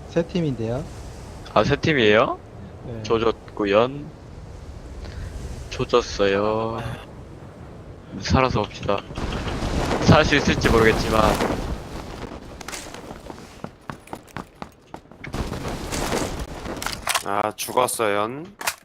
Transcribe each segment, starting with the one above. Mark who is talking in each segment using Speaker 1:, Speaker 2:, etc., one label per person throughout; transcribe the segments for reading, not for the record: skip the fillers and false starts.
Speaker 1: 세 팀인데요.
Speaker 2: 아, 세 팀이에요?
Speaker 1: 네.
Speaker 2: 조졌구연. 조졌어요. 살아서 봅시다. 살 수 있을지 모르겠지만.
Speaker 3: 아, 죽었어요.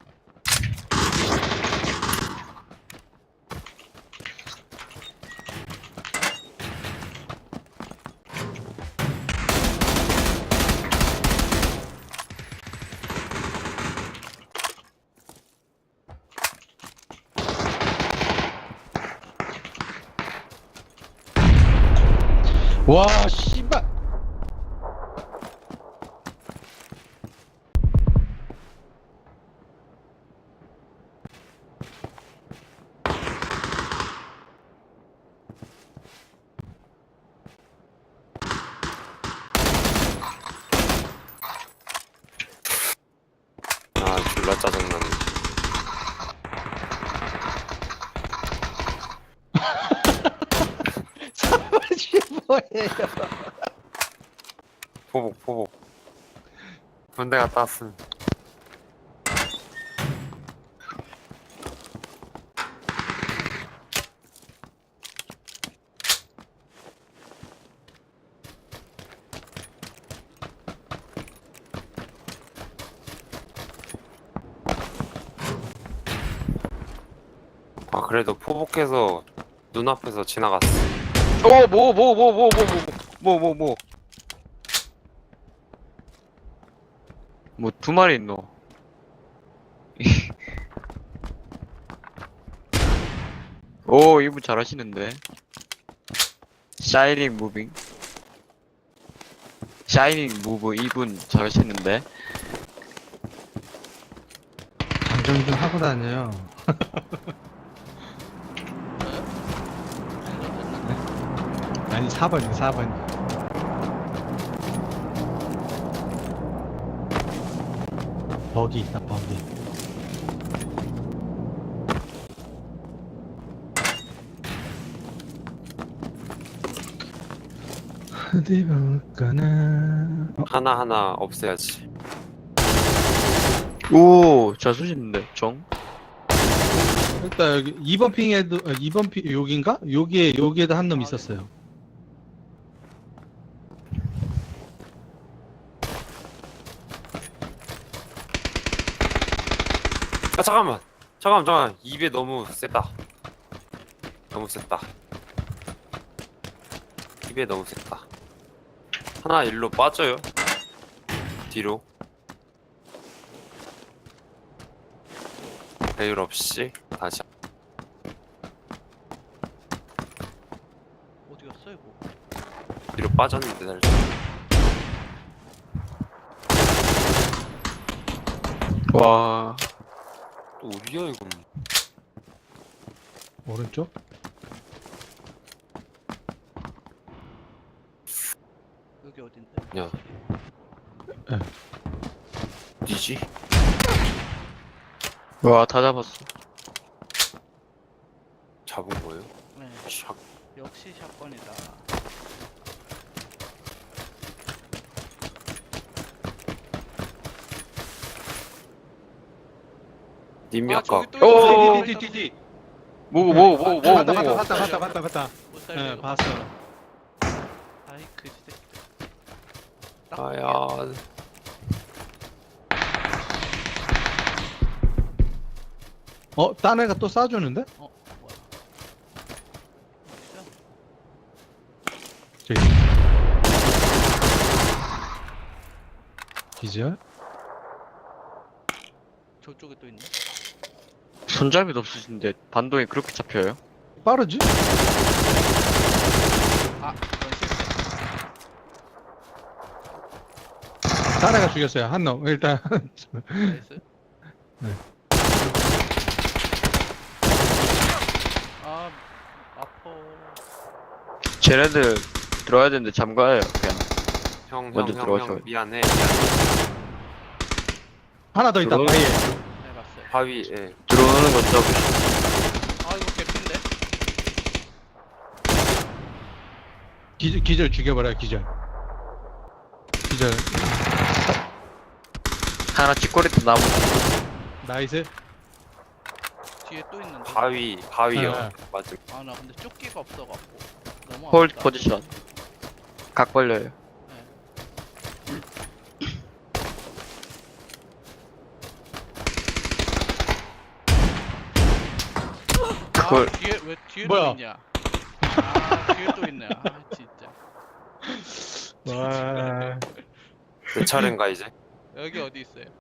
Speaker 1: 와, 씨발.
Speaker 3: 아, 졸라 짜증나네.
Speaker 1: 사무실 뭐예요?
Speaker 3: 포복. 군대 갔다 왔음. 아, 그래도 포복해서 눈앞에서 지나갔어.
Speaker 2: 뭐, 두 마리 있노. 오, 이분 잘하시는데. 샤이닝 무빙. 샤이닝 무브 이분 잘하시는데.
Speaker 1: 장정 좀 하고 다녀요. 아니, 4번이요, 4번. 버기 있다, 버기. 어디 볼까나.
Speaker 3: 하나하나 없애야지.
Speaker 2: 오, 잘 쏘시는데, 정?
Speaker 1: 일단 여기 2번 핑에도 2번 핑 여긴가? 여기에도 한 놈 있었어요.
Speaker 3: 아, 잠깐만. 입에 너무 셌다. 너무 셌다. 입에 너무 셌다. 하나 일로 빠져요. 뒤로. 배율 없이 다시.
Speaker 4: 어디 갔어 이거?
Speaker 3: 뒤로 빠졌는데 살짝.
Speaker 2: 와,
Speaker 3: 또 어디야 이건?
Speaker 1: 오른쪽?
Speaker 4: 여기 어딘데?
Speaker 3: 야.
Speaker 1: 예.
Speaker 3: 어디지?
Speaker 2: 와, 다 잡았어.
Speaker 3: 잡은 거예요?
Speaker 4: 네,
Speaker 3: 샥.
Speaker 4: 역시 샷건이다.
Speaker 3: 님이
Speaker 4: 아,
Speaker 3: 아까
Speaker 4: 저기 또
Speaker 2: 오!
Speaker 4: 있어.
Speaker 1: 뒤.
Speaker 2: 뭐.
Speaker 1: 봤다.
Speaker 4: 못 살려.
Speaker 1: 예,
Speaker 4: 이거.
Speaker 1: 봤어.
Speaker 4: 아이 그 새끼들.
Speaker 3: 아야.
Speaker 1: 딴 애가 또 쏴주는데?
Speaker 4: 뭐야? 어디야?
Speaker 1: 저기. 기절?
Speaker 4: 저쪽에 또 있네.
Speaker 2: 손잡이도 없으신데, 반동이 그렇게 잡혀요?
Speaker 1: 빠르지?
Speaker 4: 아, 이건 실패.
Speaker 1: 딴 애가 죽였어요. 한 놈. 일단.
Speaker 4: 나이스.
Speaker 1: 네.
Speaker 4: 아, 아파.
Speaker 2: 쟤네들 들어와야 되는데 잠가요, 그냥. 먼저
Speaker 3: 형,
Speaker 2: 들어가셔.
Speaker 3: 미안해.
Speaker 1: 하나 더 있다.
Speaker 2: 들어오네.
Speaker 1: 바위에.
Speaker 4: 네, 봤어요.
Speaker 3: 바위에.
Speaker 2: 들어오는 건 잡으시.
Speaker 4: 아, 이거 개핀데?
Speaker 1: 기절 죽여버려, 기절. 기절.
Speaker 2: 하나 찌꼬리도 나무.
Speaker 1: 나이스.
Speaker 4: 뒤에 또 있는데.
Speaker 3: 바위요.
Speaker 1: 네.
Speaker 3: 맞음.
Speaker 4: 아 나 근데 조끼가 없어갖고 너무
Speaker 2: 홀드
Speaker 4: 아프다.
Speaker 2: 포지션. 각 벌려요. 그걸
Speaker 4: 아, 뒤에 왜 뒤에
Speaker 1: 뭐야?
Speaker 4: 또 있냐? 아 뒤에 또 있네. 아 진짜.
Speaker 1: 와.
Speaker 3: 내 차례인가 이제?
Speaker 4: 여기 어디 있어요?